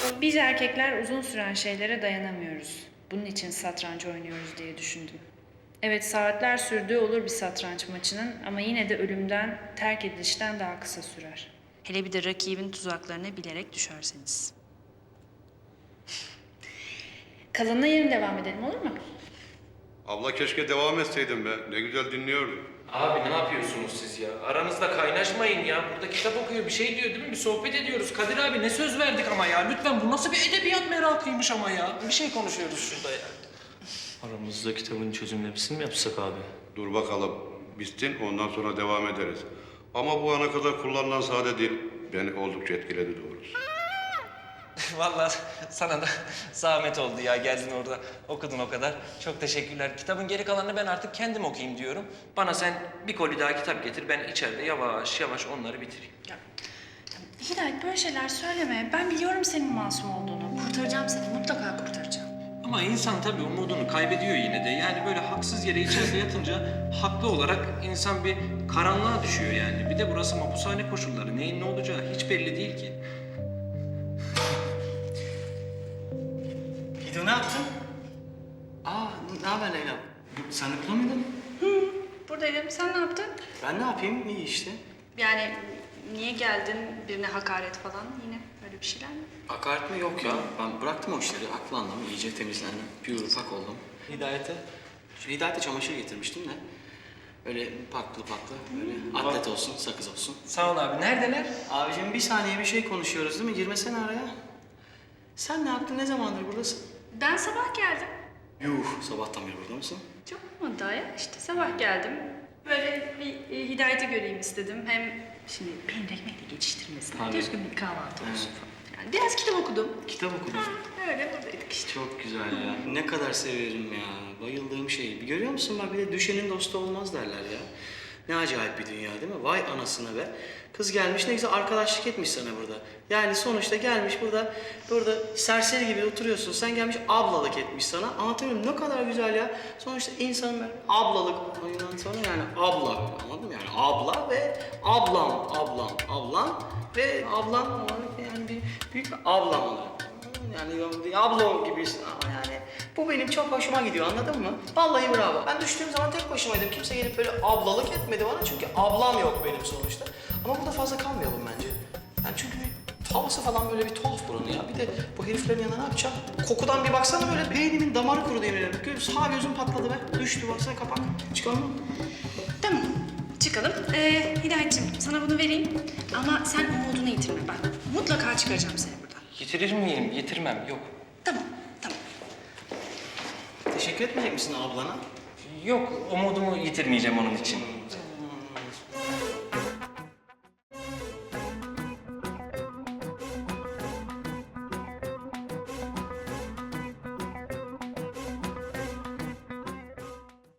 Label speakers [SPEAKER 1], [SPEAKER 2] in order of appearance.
[SPEAKER 1] Biz erkekler uzun süren şeylere dayanamıyoruz. Bunun için satranç oynuyoruz diye düşündüm. Evet, saatler sürdüğü olur bir satranç maçının ama yine de ölümden, terk edilişten daha kısa sürer. Hele bir de rakibin tuzaklarına bilerek düşerseniz. Kalanına yarın devam edelim, olur mu?
[SPEAKER 2] Abla keşke devam etseydin be. Ne güzel dinliyordum.
[SPEAKER 3] Abi ne yapıyorsunuz siz ya? Aranızda kaynaşmayın ya. Burada kitap okuyor, bir şey diyor değil mi? Bir sohbet ediyoruz. Kadir abi ne söz verdik ama ya. Lütfen, bu nasıl bir edebiyat merakıymış ama ya. Bir şey konuşuyoruz şurada ya.
[SPEAKER 4] Aramızda kitabın çözümlemesini mi yapsak abi?
[SPEAKER 2] Dur bakalım. Bitsin ondan sonra devam ederiz. Ama bu ana kadar kullanılan sade dil beni oldukça etkiledi doğrusu.
[SPEAKER 3] Vallahi sana da zahmet oldu ya. Geldin orada okudun o kadar. Çok teşekkürler. Kitabın geri kalanını ben artık kendim okuyayım diyorum. Bana sen bir koli daha kitap getir. Ben içeride yavaş yavaş onları bitireyim.
[SPEAKER 1] Hidayet, böyle şeyler söyleme. Ben biliyorum senin masum olduğunu. Kurtaracağım seni, mutlaka kurtaracağım.
[SPEAKER 3] Ama insan tabii umudunu kaybediyor yine de. Yani böyle haksız yere içeride yatınca haklı olarak insan bir karanlığa düşüyor yani. Bir de burası mapushane koşulları. Neyin ne olacağı hiç belli değil ki.
[SPEAKER 4] Hido ne yaptın? Ne haber Leyla? Sen okula mıydın?
[SPEAKER 1] Buradaydım. Sen ne yaptın?
[SPEAKER 4] Ben ne yapayım? İyi işte.
[SPEAKER 1] Yani niye geldin? Birine hakaret falan yine öyle bir şeyler mi?
[SPEAKER 4] Hakaret mi? Yok ya. Ben bıraktım o işleri. Aklandım, iyice temizlendim. Pür pak oldum. Hidayet'e çamaşır getirmiştim de. Öyle paklı böyle atlet olsun, sakız olsun.
[SPEAKER 3] Sağ ol abi. Neredeler?
[SPEAKER 4] Abicim bir saniye bir şey konuşuyoruz değil mi? Girmesene araya. Sen ne yaptın? Ne zamandır buradasın?
[SPEAKER 1] Ben sabah geldim.
[SPEAKER 4] Yuh, sabahtan beri burada mısın?
[SPEAKER 1] Çok olmadı daha ya. İşte sabah geldim. Böyle bir Hidayet'i göreyim istedim. Hem şimdi peynir ekmekle geçiştirmesin.
[SPEAKER 4] Tabii.
[SPEAKER 1] Düzgün bir kahvaltı olsun falan. Yani biraz kitap okudum.
[SPEAKER 4] Kitap okudum.
[SPEAKER 1] Öyle buradaydık işte.
[SPEAKER 4] Çok güzel ya. Ne kadar severim ya. Bayıldığım şey. Bir görüyor musun bak, bir de düşenin dostu olmaz derler ya. Ne acayip bir dünya değil mi? Vay anasına be. Kız gelmiş ne güzel arkadaşlık etmiş sana burada. Yani sonuçta gelmiş burada serseri gibi oturuyorsun. Sen gelmiş ablalık etmiş sana. Anlatabiliyor muyum? Ne kadar güzel ya. Sonuçta insanın böyle ablalık. Ondan sonra yani abla. Anladın mı? Yani abla ve ablam ve ablam olarak yani bir büyük bir ablam olarak. Yani bir ablam gibisin ama yani bu benim çok hoşuma gidiyor, anladın mı? Vallahi bravo. Ben düştüğüm zaman tek başımaydım. Kimse gelip böyle ablalık etmedi bana çünkü ablam yok benim sonuçta. Ama burada fazla kalmayalım bence. Yani çünkü bir havası falan böyle bir tuhaf buranın ya. Bir de bu heriflerin yanına ne yapacağım? Kokudan bir baksana, böyle beynimin damarı kurudu yemin ederim. Sağ gözüm patladı be. Düştü baksana, kapak. Çıkalım mı?
[SPEAKER 1] Tamam. Çıkalım. Hidayetciğim sana bunu vereyim. Ama sen umudunu yitirme bak. Mutlaka çıkaracağım seni buradan.
[SPEAKER 3] Yitirir miyim? Yitirmem. Yok.
[SPEAKER 1] Tamam. Tamam.
[SPEAKER 4] Teşekkür etmeyecek misin ablana?
[SPEAKER 3] Yok. Umudumu yitirmeyeceğim onun için.